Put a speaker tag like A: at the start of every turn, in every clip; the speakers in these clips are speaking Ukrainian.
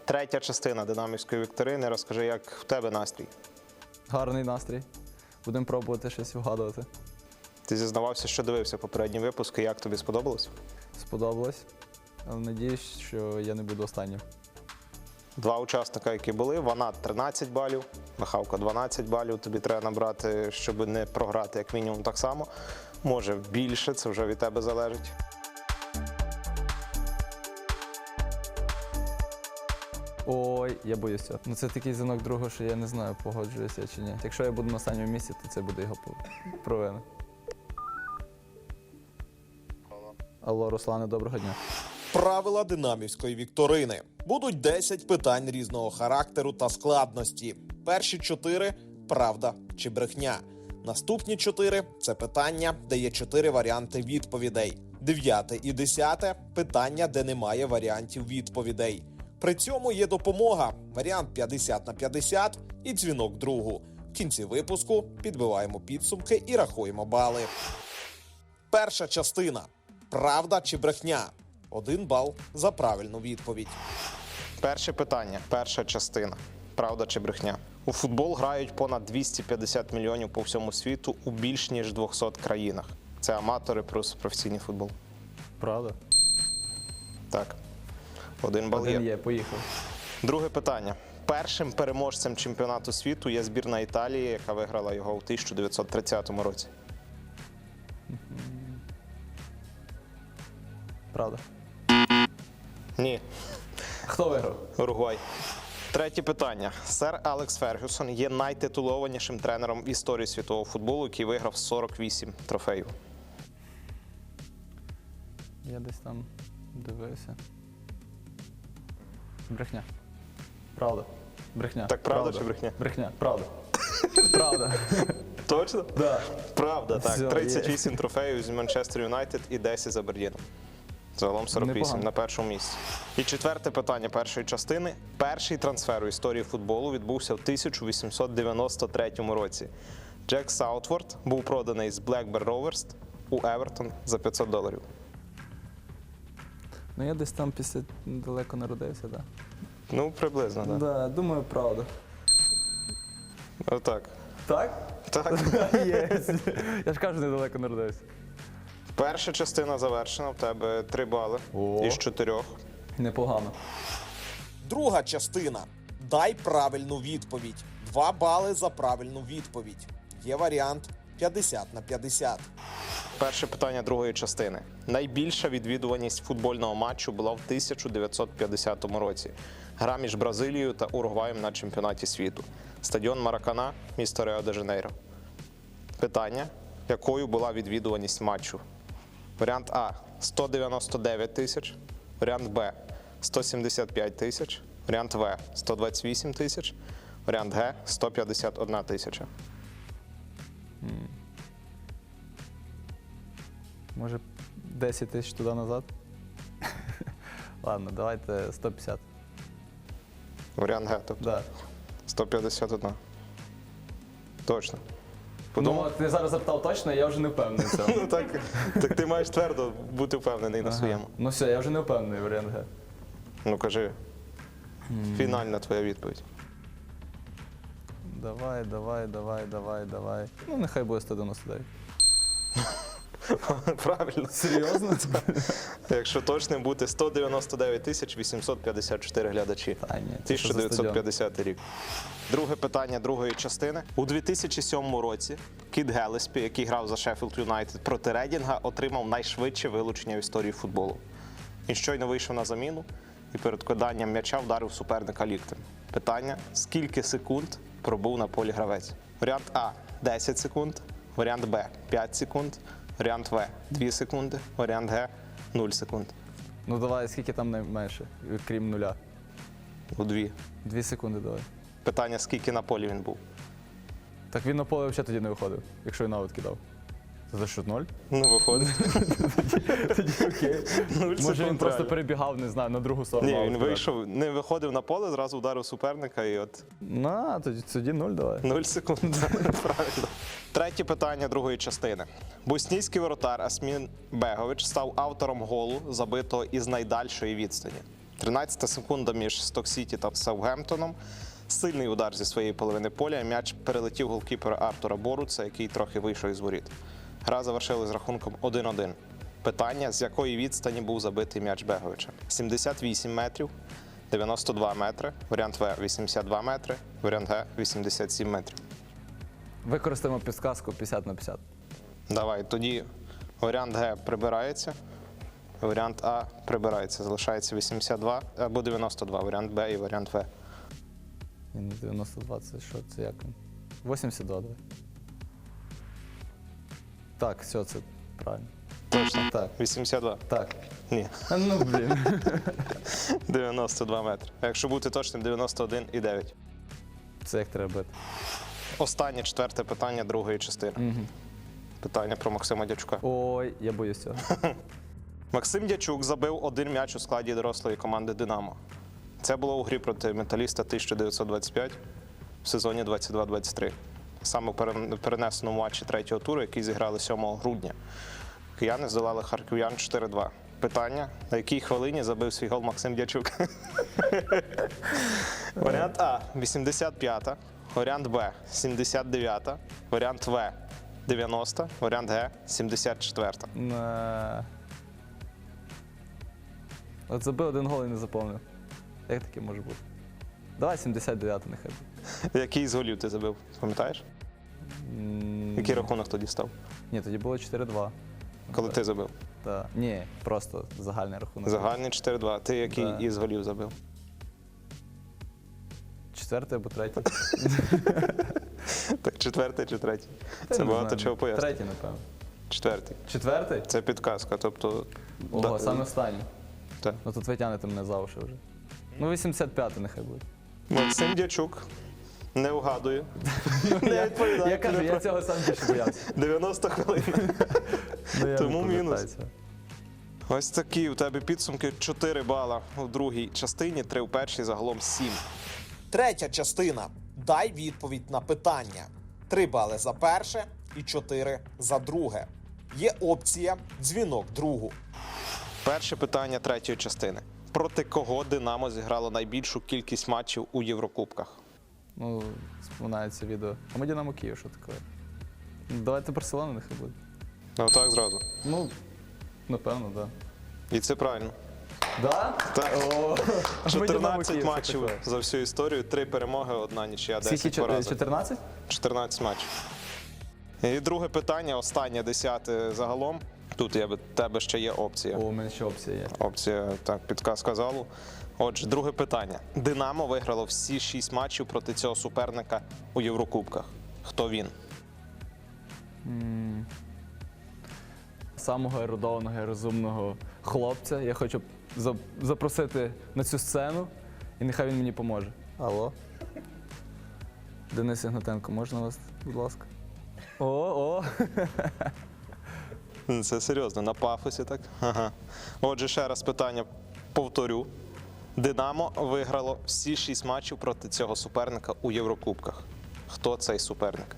A: Третя частина динамівської вікторини. Розкажи, як в тебе настрій?
B: Гарний настрій. Будемо пробувати щось вгадувати.
A: Ти зізнавався, що дивився попередні випуски. Як тобі сподобалось?
B: Сподобалось. Але надіюсь, що я не буду останнім.
A: Два учасника, які були, Ванат 13 балів, Михалко 12 балів. Тобі треба набрати, щоб не програти, як мінімум, так само. Може більше, це вже від тебе залежить.
B: Ой, я боюсь цього. Ну це такий дзвінок другого, що я не знаю, погоджуюся чи ні. Якщо я буду на останньому місці, то це буде його провина. Алло, Руслане, доброго дня.
C: Правила динамівської вікторини. Будуть 10 питань різного характеру та складності. Перші 4 – правда чи брехня. Наступні 4 – це питання, де є 4 варіанти відповідей. 9 і 10 – питання, де немає варіантів відповідей. При цьому є допомога – варіант 50 на 50 і дзвінок другу. В кінці випуску підбиваємо підсумки і рахуємо бали. Перша частина. Правда чи брехня? 1 бал за правильну відповідь.
A: Перше питання, перша частина. Правда чи брехня? У футбол грають понад 250 мільйонів по всьому світу у більш ніж 200 країнах. Це аматори плюс професійний футбол.
B: Правда?
A: Так. 1 бал
B: Один
A: є.
B: є, поїхав.
A: Друге питання. Першим переможцем чемпіонату світу є збірна Італії, яка виграла його у 1930 році.
B: Правда.
A: Ні.
B: Хто виграв?
A: Уругвай. Третє питання. Сер Алекс Фергюсон є найтитулованішим тренером в історії світового футболу, який виграв 48 трофеїв.
B: Я десь там дивився. Брехня. Правда. Брехня.
A: Так правда чи брехня?
B: Брехня. Правда. Правда.
A: Точно?
B: Да.
A: Правда, так.
B: Все,
A: 38 трофеїв з Манчестер Юнайтед і 10 з Абердіном. Загалом 48
B: Непогано.
A: на першому місці. І четверте питання першої частини. Перший трансфер у історії футболу відбувся в 1893 році. Джек Саутворд був проданий з Blackburn Rovers у Евертон за $500.
B: Ну я десь там після далеко народився, так. Да.
A: Ну, приблизно, так.
B: Да, думаю, правда.
A: Отак.
B: Так?
A: Так.
B: Єс. Я ж кажу, недалеко народився.
A: Перша частина завершена. В тебе 3 бали
B: О.
A: із 4.
B: Непогано.
C: Друга частина. Дай правильну відповідь. 2 бали за правильну відповідь. Є варіант 50 на 50.
A: Перше питання другої частини. Найбільша відвідуваність футбольного матчу була в 1950 році. Гра між Бразилією та Уругваєм на чемпіонаті світу. Стадіон Маракана, місто Ріо-де-Жанейро. Питання. Якою була відвідуваність матчу? Варіант А – 199 тисяч. Варіант Б – 175 тисяч. Варіант В – 128 тисяч. Варіант Г – 151 тисяча.
B: Може 10 тисяч туди назад? Ладно, давайте 150.
A: Варіант Г, тобто
B: Да.
A: 151. Точно.
B: Ну, ти зараз запитав точно, я вже не впевнений в цьому.
A: Ну так ти маєш твердо бути впевнений на своєму.
B: Ну все, я вже не впевнений, варіант Г.
A: Ну кажи, фінальна твоя відповідь.
B: Давай. Ну, нехай буде 199.
A: Правильно.
B: Серйозно?
A: Якщо точним бути, 199 тисяч 854 глядачі.
B: Та ні, це що за
A: 1950 рік. Друге питання другої частини. У 2007 році Кіт Гелеспі, який грав за Шеффілд Юнайтед проти Редінга, отримав найшвидше вилучення в історії футболу. Він щойно вийшов на заміну і перед киданням м'яча вдарив суперника ліктем. Питання: скільки секунд пробув на полі гравець? Варіант А – 10 секунд, варіант Б – 5 секунд, варіант В – 2 секунди, варіант Г – 0 секунд.
B: Ну давай, скільки там найменше, крім нуля?
A: У 2.
B: 2 секунди давай.
A: Питання: скільки на полі він був?
B: Так він на поле взагалі тоді не виходив, якщо він аут кидав. Це за що, 0?
A: Ну, виходить.
B: Тоді окей.
A: 0
B: Може він
A: секунд
B: просто
A: реально.
B: перебігав, не знаю, на другу сторону.
A: Ні,
B: аут
A: він
B: кидав.
A: вийшов, не виходив на поле, зразу вдарив суперника і от
B: На, тоді 0 давай.
A: 0 секунд. Правильно. Третє питання другої частини. Боснійський воротар Асмін Бегович став автором голу, забитого із найдальшої відстані. 13 секунда між Сток-Сіті та Саутгемптоном. Сильний удар зі своєї половини поля. І м'яч перелетів голкіпера Артура Боруца, який трохи вийшов із воріт. Гра завершилась з рахунком 1-1. Питання, з якої відстані був забитий м'яч Беговича? 78 метрів, 92 метри, варіант В – 82 метри, варіант Г – 87 метрів.
B: Використаємо підсказку 50 на 50.
A: Давай, тоді варіант Г прибирається, варіант А прибирається. Залишається 82 або 92, варіант Б і варіант В.
B: Ні, не 92, це що? Це як? 82, давай. Так, все, це правильно.
A: Точно?
B: Так.
A: 82?
B: Так.
A: Ні.
B: Ну, блін.
A: 92 метри. А якщо бути точним, 91,9.
B: Це як треба бити.
A: Останнє, четверте питання другої частини.
B: Угу.
A: Питання про Максима Дячука.
B: Ой, я боюсь цього.
A: Максим Дячук забив один м'яч у складі дорослої команди «Динамо». Це було у грі проти «Металіста» 1925 в сезоні 22-23. Саме в перенесеному матчі третього туру, який зіграли 7 грудня. Кияни здолали харків'ян 4-2. Питання, на якій хвилині забив свій гол Максим Дячук? Варіант А – 85-та, варіант Б – 79-та, варіант В – 90, варіант Г – 74-та.
B: От забив один гол і не заповнив. Як таке може бути? Давай 79 нехай буде.
A: Який з голів ти забив, пам'ятаєш? Який рахунок тоді став,
B: Ні, тоді було 4-2.
A: коли ти забив?
B: Так. Ні, просто загальний рахунок.
A: Загальний 4-2. Ти який
B: Да.
A: із голів забив?
B: Четвертий або третій.
A: Так, четвертий чи третій?
B: Та
A: Це
B: не
A: багато
B: знаю.
A: чого пояснює.
B: Третій, напевно.
A: Четвертий.
B: Четвертий?
A: Це підказка, тобто...
B: Ого, саме останній.
A: Так.
B: Ну тут ви тянете мене за уші вже. Ну 85 нехай буде.
A: Максим Дячук не вгадує. Не відповідає.
B: Я кажу, я цього сам більше боявся.
A: 90 хвилин.
B: Ну, я
A: Тому
B: не
A: мінус.
B: пам'ятаю цього.
A: Ось такі у тебе підсумки. 4 бала у другій частині, 3 у першій, загалом 7.
C: Третя частина. Дай відповідь на питання. 3 бали за перше і 4 за друге. Є опція «Дзвінок другу».
A: Перше питання третьої частини. Проти кого «Динамо» зіграло найбільшу кількість матчів у Єврокубках?
B: Ну, споминається відео. А ми Динамо Київ, що таке? Ну, давайте Барселона нехай буде.
A: Ну так зразу.
B: Ну, напевно, так.
A: І це правильно.
B: Да?
A: Так.
B: О, ми Динамо
A: 14
B: Київ, що
A: матчів
B: таке?
A: за всю історію, 3 перемоги, 1 нічия, 10
B: Скільки?
A: поразок.
B: 14?
A: 14 матчів. І друге питання, останнє, 10 загалом. Тут в тебе ще є опція.
B: О, у мене ще опція є.
A: Опція, так, підказка залу. Отже, друге питання. «Динамо» виграло всі 6 матчів проти цього суперника у Єврокубках. Хто він?
B: Самого ерудованого і розумного хлопця я хочу запросити на цю сцену, і нехай він мені поможе. Алло? Денис Ігнатенко, можна вас, будь ласка? О!
A: Це серйозно, на пафосі так? Ага. Отже, ще раз питання повторю. «Динамо» виграло всі 6 матчів проти цього суперника у Єврокубках. Хто цей суперник?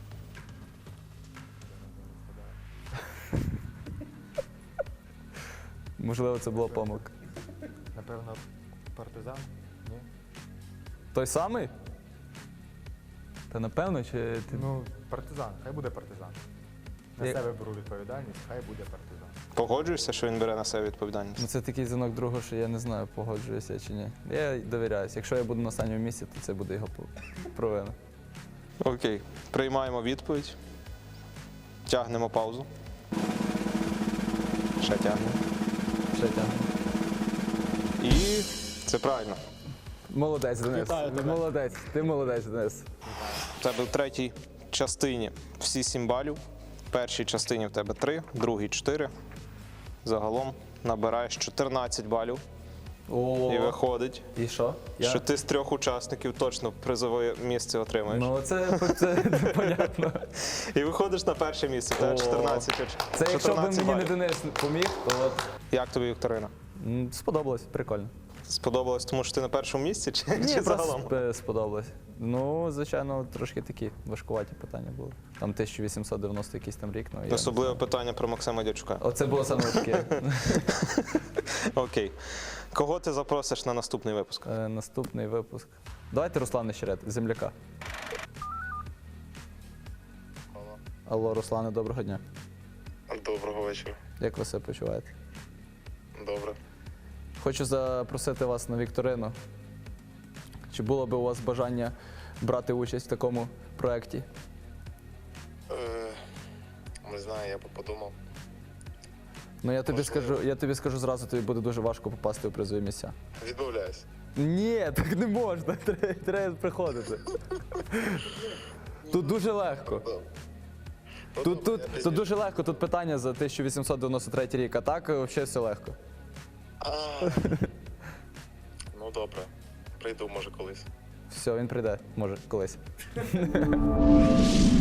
B: Можливо, це була помилка.
D: Напевно, партизан? Ні?
B: Той самий? Та напевно, чи ти...
D: Ну, партизан, хай буде партизан. На
B: Як-
D: себе беру відповідальність, хай буде партизан.
A: Погоджуєшся, що він бере на себе
B: Ну,
A: відповідальність?
B: це такий дзвінок другу, що я не знаю, погоджуюся чи ні. Я довіряюсь. Якщо я буду на останньому місці, то це буде його провина.
A: Окей. Приймаємо відповідь. Тягнемо паузу. Ще тягнемо.
B: Ще тягну.
A: І це правильно.
B: Молодець, Денис. Молодець. Ти молодець, Денис.
A: У тебе в третій частині всі 7 балів. В першій частині в тебе 3, в другій 4. Загалом набираєш 14 балів.
B: О,
A: І виходить,
B: і що?
A: що ти з 3 учасників точно призове місце отримаєш.
B: Ну, це понятно.
A: І виходиш на перше місце. Тебе
B: О.
A: 14
B: Це якщо б
A: 14
B: мені не
A: балів.
B: Денис поміг, то от.
A: Як тобі, Вікторина?
B: Сподобалось, прикольно.
A: Сподобалось, тому що ти на першому місці чи
B: Ні,
A: загалом?
B: просто сподобалось. Ну, звичайно, трошки такі важкуваті питання були. Там 1890 якийсь там рік. Ну, я не
A: Особливе
B: знаю.
A: питання про Максима Дячука.
B: Оце було саме важке.
A: Окей. Кого ти запросиш на наступний випуск?
B: Наступний випуск. Давайте Руслана Щерет, земляка. Алло, Руслане, доброго дня.
E: Доброго вечора.
B: Як ви себе почуваєте?
E: Добре.
B: Хочу запросити вас на вікторину. Чи було би у вас бажання брати участь в такому проєкті?
E: Не знаю, я би подумав.
B: Ну я тобі
E: Можливо.
B: скажу зразу, тобі буде дуже важко попасти у призові місця.
E: Відмовляюсь.
B: Ні, так не можна. Треба приходити. Тут дуже легко.
E: Ну,
B: Тут
E: добре, я
B: тут дуже легко, тут питання за 1893 рік, а так взагалі все легко.
E: Ну добре. Прийду, може, колись.
B: Все, він прийде, може, колись.